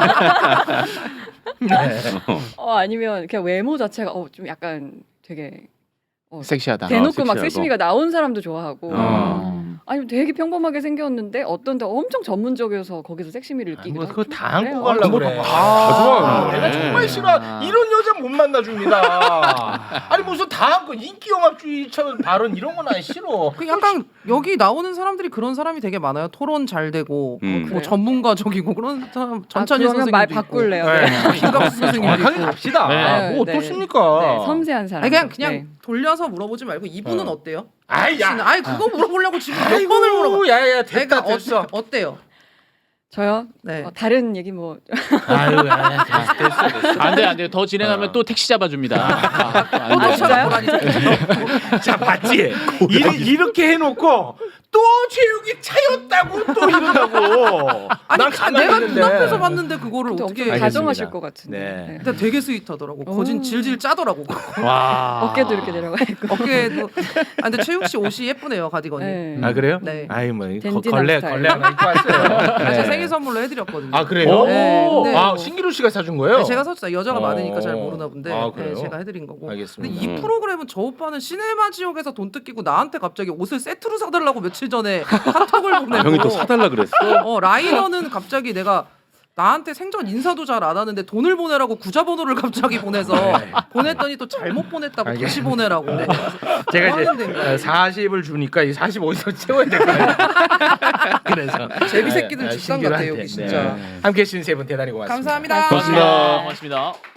[SPEAKER 1] 네.
[SPEAKER 5] 아니면 그냥 외모 자체가 좀 약간 되게
[SPEAKER 4] 섹시하다.
[SPEAKER 5] 대놓고 막
[SPEAKER 3] 섹시하고.
[SPEAKER 5] 섹시미가 나온 사람도 좋아하고.
[SPEAKER 1] 어.
[SPEAKER 5] 아니면 되게 평범하게 생겼는데 어떤 데 엄청 전문적이어서 거기서 섹시미를 느끼기도
[SPEAKER 1] 뭐
[SPEAKER 5] 하고.
[SPEAKER 1] 그거 다 안고
[SPEAKER 5] 그래요.
[SPEAKER 1] 가려고 그래.
[SPEAKER 3] 다 좋아하는
[SPEAKER 1] 내가
[SPEAKER 3] 거네.
[SPEAKER 1] 정말 싫어. 이런 여자 못 만나줍니다. 아니 무슨 다 안고 인기영합주의처럼 발언 이런 건 안 싫어.
[SPEAKER 2] 그 약간 여기 나오는 사람들이 그런 사람이 되게 많아요. 토론 잘 되고
[SPEAKER 3] 음.
[SPEAKER 2] 뭐 전문가적이고 그런 사람 전찬희
[SPEAKER 5] 그러면 말
[SPEAKER 2] 선생님도 있고.
[SPEAKER 5] 바꿀래요.
[SPEAKER 1] 네.
[SPEAKER 5] 네.
[SPEAKER 2] 김갑수 선생님도
[SPEAKER 1] 정확하게
[SPEAKER 2] 있고.
[SPEAKER 1] 갑시다.
[SPEAKER 5] 네.
[SPEAKER 1] 뭐
[SPEAKER 5] 네.
[SPEAKER 1] 어떻습니까?
[SPEAKER 5] 네, 섬세한 사람.
[SPEAKER 2] 아니 그냥 돌려서 물어보지 말고 이분은 어때요?
[SPEAKER 1] 아이 야.
[SPEAKER 2] 아니 그거 물어보려고 지금 몇 번을 물어봐.
[SPEAKER 1] 야야
[SPEAKER 2] 그러니까
[SPEAKER 1] 됐다 됐어.
[SPEAKER 2] 어때요?
[SPEAKER 5] 저요?
[SPEAKER 2] 네.
[SPEAKER 5] 다른 얘기 뭐
[SPEAKER 1] 아유 야, 됐어.
[SPEAKER 4] 안 돼요. 더 진행하면 또 택시 잡아줍니다. 안 돼요.
[SPEAKER 5] 진짜요?
[SPEAKER 1] 자 봤지? 이렇게 해놓고 또 체육이 차였다고 또 이러다고.
[SPEAKER 2] 아니
[SPEAKER 1] 난 가만히
[SPEAKER 2] 내가
[SPEAKER 1] 있는데.
[SPEAKER 2] 눈앞에서 봤는데 그거를
[SPEAKER 5] 좀
[SPEAKER 2] 어떻게
[SPEAKER 1] 알겠습니다.
[SPEAKER 5] 다정하실 것 같은데.
[SPEAKER 1] 네.
[SPEAKER 2] 근데 되게 스윗하더라고. 거진 질질 짜더라고.
[SPEAKER 4] 와.
[SPEAKER 5] 어깨도 이렇게 내려가 있고.
[SPEAKER 2] 어깨도. 아 근데 최욱 씨 옷이 예쁘네요 가디건이.
[SPEAKER 5] 네.
[SPEAKER 1] 아 그래요?
[SPEAKER 2] 네.
[SPEAKER 1] 아이 뭐
[SPEAKER 5] 댄디남
[SPEAKER 1] 걸레
[SPEAKER 5] 스타일.
[SPEAKER 1] 하나 입고 왔어요.
[SPEAKER 2] 제가
[SPEAKER 1] 네.
[SPEAKER 2] 생일 선물로 해드렸거든요.
[SPEAKER 1] 아 그래요?
[SPEAKER 2] 네, 근데
[SPEAKER 1] 아
[SPEAKER 2] 뭐-
[SPEAKER 1] 신기루 씨가 사준 거예요?
[SPEAKER 2] 네, 제가 샀어요. 여자가
[SPEAKER 1] 어.
[SPEAKER 2] 많으니까 잘 모르나 본데
[SPEAKER 1] 아, 그래요?
[SPEAKER 2] 네, 제가 해드린 거고.
[SPEAKER 1] 알겠습니다.
[SPEAKER 2] 근데 이 프로그램은 저 오빠는 시네마 지옥에서 돈 뜯기고 나한테 갑자기 옷을 세트로 사달라고 며칠 전에 카톡을 보내고.
[SPEAKER 3] 아, 형이 또 사달라 그랬어.
[SPEAKER 2] 라이너는 갑자기 내가 나한테 생전 인사도 잘 안 하는데 돈을 보내라고 구자번호를 갑자기 보내서 보냈더니 또 잘못 보냈다고 다시
[SPEAKER 1] 알겠습니다.
[SPEAKER 2] 보내라고. 네.
[SPEAKER 1] 제가
[SPEAKER 2] 뭐 하는 데인가요?
[SPEAKER 1] 이제 40을 주니까 이 40 어디서 채워야 될 거예요. 그래서
[SPEAKER 2] 제비 새끼들
[SPEAKER 1] 네,
[SPEAKER 2] 집단
[SPEAKER 1] 신기루한테.
[SPEAKER 2] 같아요, 여기 진짜.
[SPEAKER 1] 네. 함께 해주신 세 분 대단히 고맙습니다.
[SPEAKER 2] 감사합니다.
[SPEAKER 3] 고맙습니다.
[SPEAKER 4] 고맙습니다.